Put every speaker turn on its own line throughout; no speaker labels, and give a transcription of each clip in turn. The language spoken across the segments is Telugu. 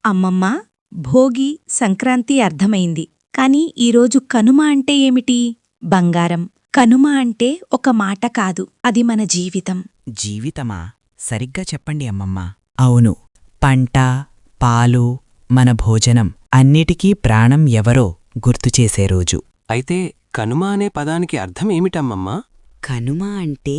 అమ్మమ్మా, భోగి, సంక్రాంతి అర్థమైంది. కాని ఈరోజు కనుమ అంటే ఏమిటి? బంగారం. కనుమ అంటే ఒక మాట కాదు, అది మన జీవితం.
జీవితమా? సరిగ్గా చెప్పండి అమ్మమ్మ. అవును, పంట, పాలు, మన భోజనం అన్నిటికీ ప్రాణం ఎవరో గుర్తుచేసే రోజు.
అయితే కనుమ అనే పదానికి అర్థం ఏమిటమ్మమ్మా?
కనుమ అంటే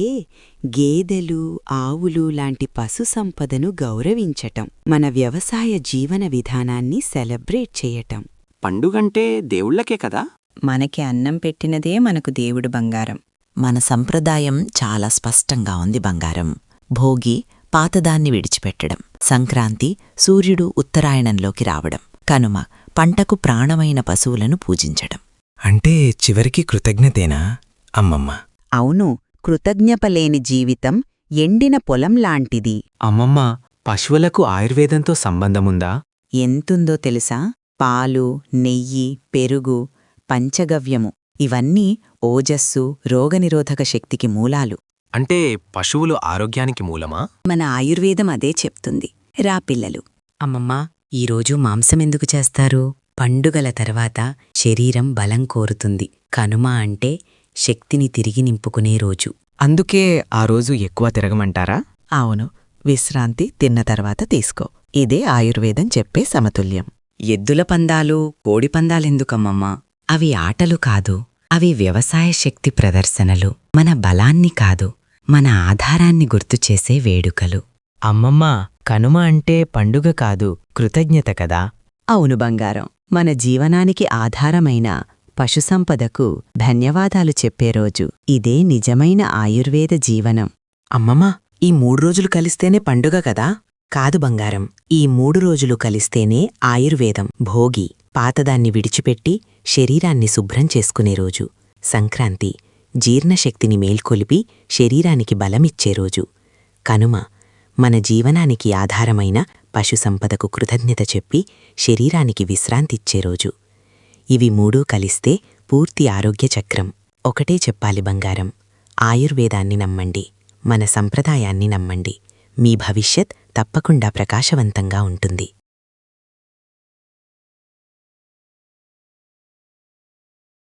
గేదెలు, ఆవులు లాంటి పశు సంపదను గౌరవించటం, మన వ్యవసాయ జీవన విధానాన్ని సెలబ్రేట్ చేయటం.
పండుగంటే దేవుళ్లకే కదా?
మనకి అన్నం పెట్టినదే మనకు దేవుడు బంగారం.
మన సంప్రదాయం చాలా స్పష్టంగా ఉంది బంగారం. భోగి పాతదాన్ని విడిచిపెట్టడం, సంక్రాంతి సూర్యుడు ఉత్తరాయణంలోకి రావడం, కనుమ పంటకు ప్రాణమైన పశువులను పూజించడం.
అంటే చివరికి కృతజ్ఞతేనా అమ్మమ్మ?
అవును, కృతజ్ఞపలేని జీవితం ఎండిన పొలంలాంటిది.
అమ్మమ్మ, పశువులకు ఆయుర్వేదంతో సంబంధముందా?
ఎంతుందో తెలుసా? పాలు, నెయ్యి, పెరుగు, పంచగవ్యము ఇవన్నీ ఓజస్సు, రోగనిరోధక శక్తికి మూలాలు.
అంటే పశువులు ఆరోగ్యానికి మూలమా?
మన ఆయుర్వేదం అదే చెప్తుంది. రా పిల్లలు.
అమ్మమ్మా, ఈరోజు మాంసమెందుకు చేస్తారు? పండుగల తర్వాత శరీరం బలం కోరుతుంది. కనుమ అంటే శక్తిని తిరిగి నింపుకునే రోజు.
అందుకే ఆ రోజు ఎక్కువ తిరగమంటారా?
అవును, విశ్రాంతి తిన్న తర్వాత తీసుకో. ఇదే ఆయుర్వేదం చెప్పే సమతుల్యం.
ఎద్దుల పందాలు, కోడిపందాలెందుకమ్మమ్మా? అవి ఆటలు కాదు, అవి వ్యవసాయ శక్తి ప్రదర్శనలు. మన బలాన్ని కాదు, మన ఆధారాన్ని గుర్తుచేసే వేడుకలు.
అమ్మమ్మా, కనుమ అంటే పండుగ కాదు, కృతజ్ఞత కదా?
అవును బంగారం, మన జీవనానికి ఆధారమైన పశుసంపదకు ధన్యవాదాలు చెప్పే రోజు. ఇదే నిజమైన ఆయుర్వేద జీవనం.
అమ్మమ్మ, ఈ 3 రోజులు కలిస్తేనే పండుగ కదా? కాదు బంగారం, ఈ 3 రోజులు కలిస్తేనే ఆయుర్వేదం. భోగి పాతదాన్ని విడిచిపెట్టి శరీరాన్ని శుభ్రం చేసుకునే రోజు. సంక్రాంతి జీర్ణశక్తిని మేల్కొలిపి శరీరానికి బలమిచ్చే రోజు. కనుమ మన జీవనానికి ఆధారమైన పశుసంపదకు కృతజ్ఞత చెప్పి శరీరానికి విశ్రాంతిచ్చే రోజు. ఇవి 3 కలిస్తే పూర్తి ఆరోగ్య చక్రం. ఒకటే చెప్పాలి బంగారం, ఆయుర్వేదాన్ని నమ్మండి, మన సంప్రదాయాన్ని నమ్మండి. మీ భవిష్యత్ తప్పకుండా ప్రకాశవంతంగా ఉంటుంది.